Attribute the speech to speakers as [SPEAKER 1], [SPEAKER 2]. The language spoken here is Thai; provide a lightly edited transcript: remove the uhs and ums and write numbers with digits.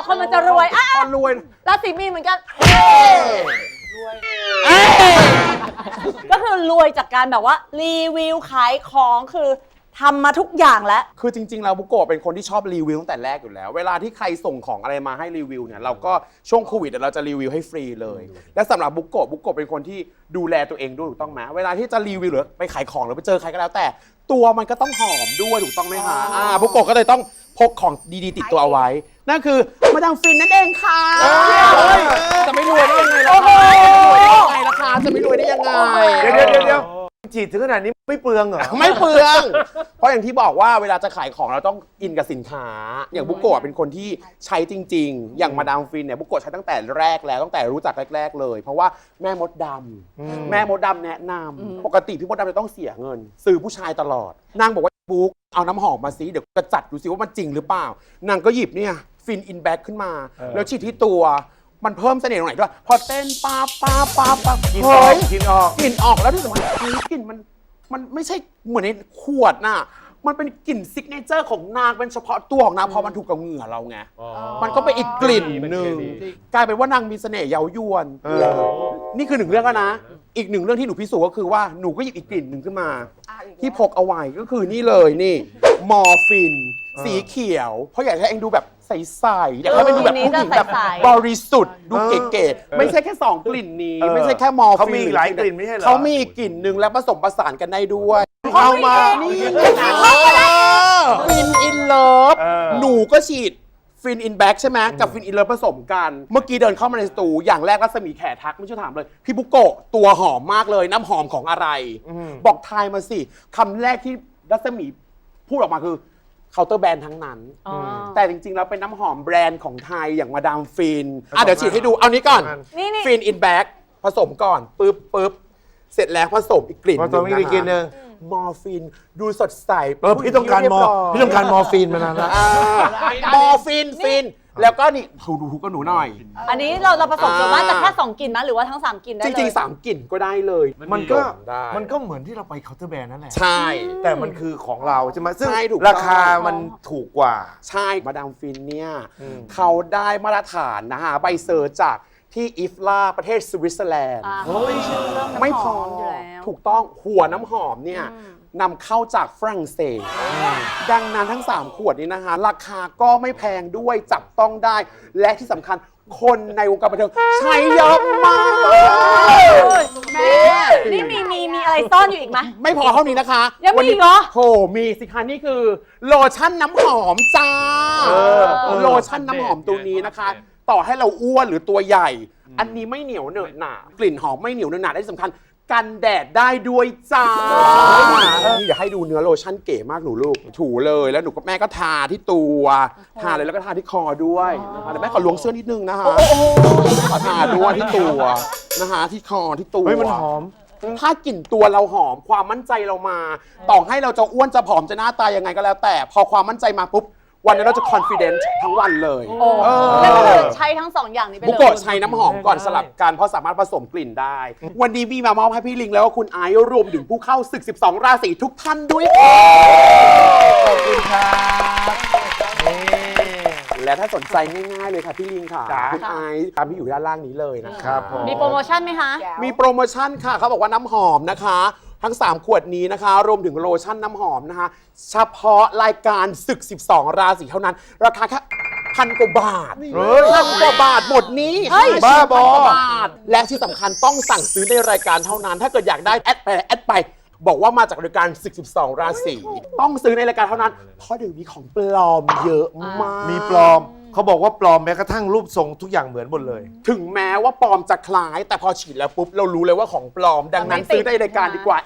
[SPEAKER 1] คนมันจะรวยอ่ะ
[SPEAKER 2] คนรวย
[SPEAKER 1] ราศีมีนเหมือนกันก็คือรวยจากการแบบว่ารีวิวขายของคือทำมาทุกอย่างแล้ว
[SPEAKER 2] คือจริงๆแล้วบุโกะเป็นคนที่ชอบรีวิวตั้งแต่แรกอยู่แล้วเวลาที่ใครส่งของอะไรมาให้รีวิวเนี่ยเราก็ช่วงโควิดเราจะรีวิวให้ฟรีเลยและสำหรับบุโกะเป็นคนที่ดูแลตัวเองด้วยถูกต้องไหมเวลาที่จะรีวิวหรือไปขายของหรือไปเจอใครก็แล้วแต่ตัวมันก็ต้องหอมด้วยถูกต้องไหมคะบุโกะก็เลยต้องพกของดีๆติดตัวเอาไว้นั่นคือมาดามฟินนั่นเองค่ะจะไม่รวยได้ยังไงล่ะคะจะไม่รวยได้ยังไง
[SPEAKER 3] เดี๋ยวจีดถึงขนาดนี้ไม่เปลืองเหรอ
[SPEAKER 2] ไม่เปลือง เพราะอย่างที่บอกว่าเวลาจะขายของเราต้องอินกับสินค้า อย่างบุโกะเป็นคนที่ใช้จริงๆ อย่างมาดามฟินเนี่ยบุโกะใช้ตั้งแต่แรกแล้วตั้งแต่รู้จักแรกๆเลย เพราะว่าแม่มดดำแม่มดดำแนะนำปกติพี่มดดำจะต้องเสียเงินซื้อผู้ชายตลอดนางบอกว่าบุ๊กเอาน้ำหอมมาซิเดี๋ยวกระจัดดูซิว่ามันจริงหรือเปล่านางก็หยิบเนี่ยฟินอินแบ็คขึ้นมาแล้วฉีดที่ตัวมันเพิ่มเสน่ห์ตรงไหนด้วยพอเต้นป๊า
[SPEAKER 3] กิน
[SPEAKER 2] เฮ้
[SPEAKER 3] ออก
[SPEAKER 2] ย
[SPEAKER 3] กินออก
[SPEAKER 2] กลิ่นออกแล้วที่สำคัญกลิ่นมันไม่ใช่เหมือนในขวดน่ะมันเป็นกลิ่นซิกเนเจอร์ของนางเป็นเฉพาะตัวของนางพอมันถูกกับเหงื่อเราไงมันก็เป็นอีกกลิ่นหนึ่งกลายเป็นว่านางมีเสน่ห์เย้ายวนนี่คือหนึ่งเรื่องแล้วนะอีกหนึ่งเรื่องที่หนูพิสูจน์ก็คือว่าหนูก็หยิบอีกกลิ่นหนึ่งขึ้นมาที่พกเอาไว้ก็คือนี่เลยนี่มอร์ฟินสีเขียวเพราะอยากให้เองดูแบบใสๆอยากให้มันดูแบบผู้หญิงแบบบริสุทธิ์ดูเก๋ๆไม่ใช่แค่2กลิ่นนี้ไม่ใช่แค่มอร์ฟิน
[SPEAKER 3] เขามีอีกหลายกลิ่นไม่ใช่เหรอ
[SPEAKER 2] เขามีอีกกลิ่นหนึ่งและผสมผสานกันได้ด้วย
[SPEAKER 3] เอามา
[SPEAKER 2] ฟินอินเลิฟหนูก็ฉีดฟินอินแบ็กใช่ไหมกับฟินอินเลิฟผสมกันเมื่อกี้เดินเข้ามาในสตูอย่างแรกรัศมีแขทักไม่ใช่ถามเลยพี่บุโกะตัวหอมมากเลยน้ำหอมของอะไรบอกทายมาสิคำแรกที่รัศมีพูดออกมาคือเคาน์เตอร์แบรนด์ทั้งนั้นแต่จริงๆแล้วเป็นน้ำหอมแบรนด์ของไทยอย่างมาดามฟินเดี๋ยวฉีดให้ดูเอานี้ก่อนฟินอินแบ็กผสมก่อนปึ๊บเสร็จแล้วผสมอีกกลิ่น
[SPEAKER 3] ผสมอีกกลิ่นหนึ่ง
[SPEAKER 2] มอร์ฟินดูสดใส
[SPEAKER 3] พี่ต้องการมอร์ฟินมานานแล้ว
[SPEAKER 2] มอร์ฟินแล้วก็นี่ดูกับหนูหน่อย
[SPEAKER 1] อันนี้เราผสมส่วนมากจะแค่2กลิ่นนะหรือว่าทั้ง3กลิ่นได้
[SPEAKER 2] จ
[SPEAKER 1] เลย
[SPEAKER 2] ริงๆ3กลิ่นก็ได้เลย
[SPEAKER 3] มันก็เหมือนที่เราไปเคาน์เตอร์แบรนด์นั่นแหละ
[SPEAKER 2] ใช่
[SPEAKER 3] แต่มันคือของเราใช่ไหมซึ่ง
[SPEAKER 2] ใช่ถูกต้อง
[SPEAKER 3] ราคามันถูกกว่า
[SPEAKER 2] ใช่มาดามฟินเนี่ยเขาได้มาตรฐานนะฮะใบเซอร์จากที่อิฟลาประเทศสวิตเซอร์แลนด์ไม่พอถูกต้องหัวน้ำหอมเนี่ยนำเข้าจากฝรั่งเศสดังนั้นทั้ง 3 ขวดนี้นะคะราคาก็ไม่แพงด้วยจับต้องได้ และที่สำคัญคนในวงการบันเทิงใช้เยอะมากแม่
[SPEAKER 1] นี่มีอะไรซ่อนอยู่อีกไหม
[SPEAKER 2] ไม่พอเท่านี้นะคะ
[SPEAKER 1] ยังมีอีกเหรอ
[SPEAKER 2] โหมีสิคะนี่คือโลชั่นน้ำหอมจ้าโลชั่นน้ำหอมตัวนี้นะคะ ต่อให้เราอ้วนหรือตัวใหญ่ อันนี้ไม่เหนียวเหนอะหนากลิ่นหอมไม่เหนียวเหนอะหนาได้สำคัญกันแดดได้ด้วยจ้านี่เดี๋ยวให้ดูเนื้อโลชั่นเก๋มากหนูลูกถูเลยแล้วหนูกับแม่ก็ทาที่ตัวทาเลยแล้วก็ทาที่คอด้วยนะคะแต่แม่ขอล้วงเสื้อนิดนึงนะคะขอทาด้วยที่ตัวนะคะที่คอที่ตัว
[SPEAKER 3] เฮ้ยมันหอม
[SPEAKER 2] ถ้ากลิ่นตัวเราหอมความมั่นใจเรามาต่อให้เราจะอ้วนจะผอมจะหน้าตายังไงก็แล้วแต่พอความมั่นใจมาปุ๊บวันนั้นเราจะ confident ทั้งวันเลย
[SPEAKER 1] ก็คือใช้ทั้ง2อย่างนี้ไปเลย
[SPEAKER 2] บุโกะใช้น้ำหอมก่อนสลับกันเพราะสามารถผสมกลิ่นได้ วันนี้มีมามอบให้พี่ลิงแล้วก็คุณไอซ์รวมถึงผู้เข้าศึก 12 ราศีทุกท่านด้วยขอบคุณครับและถ้าสนใจง่ายๆเลยค่ะพี่ลิงค่ะคุณไอซ์ตามที่อยู่ด้านล่างนี้เลยนะครับ
[SPEAKER 1] มีโปรโมชั่นไหมคะ
[SPEAKER 2] มีโปรโมชั่นค่ะเขาบอกว่าน้ำหอมนะคะทั้ง 3 ขวดนี้นะคะรวมถึงโลชั่นน้ำหอมนะคะเฉพาะรายการศึก 12 ราศีเท่านั้นราคาแค่1,000 กว่าบาท1,000 กว่าบาทหมดนี้
[SPEAKER 3] บ้าบอ
[SPEAKER 2] และที่สำคัญต้องสั่งซื้อในรายการเท่านั้นถ้าเกิดอยากได้แอดไปบอกว่ามาจากรายการศึก 12 ราศีต้องซื้อในรายการเท่านั้นเพราะเดี๋ยวนี้ของปลอมเยอะมาก
[SPEAKER 3] มีปลอมเขาบอกว่าปลอมแม้กระทั่งรูปทรงทุกอย่างเหมือนหมดเลย
[SPEAKER 2] ถึงแม้ว่าปลอมจะคล้ายแต่พอฉีดแล้วปุ๊บเรารู้เลยว่าของปลอมดังนั้นซื้อในรายการดีกว่า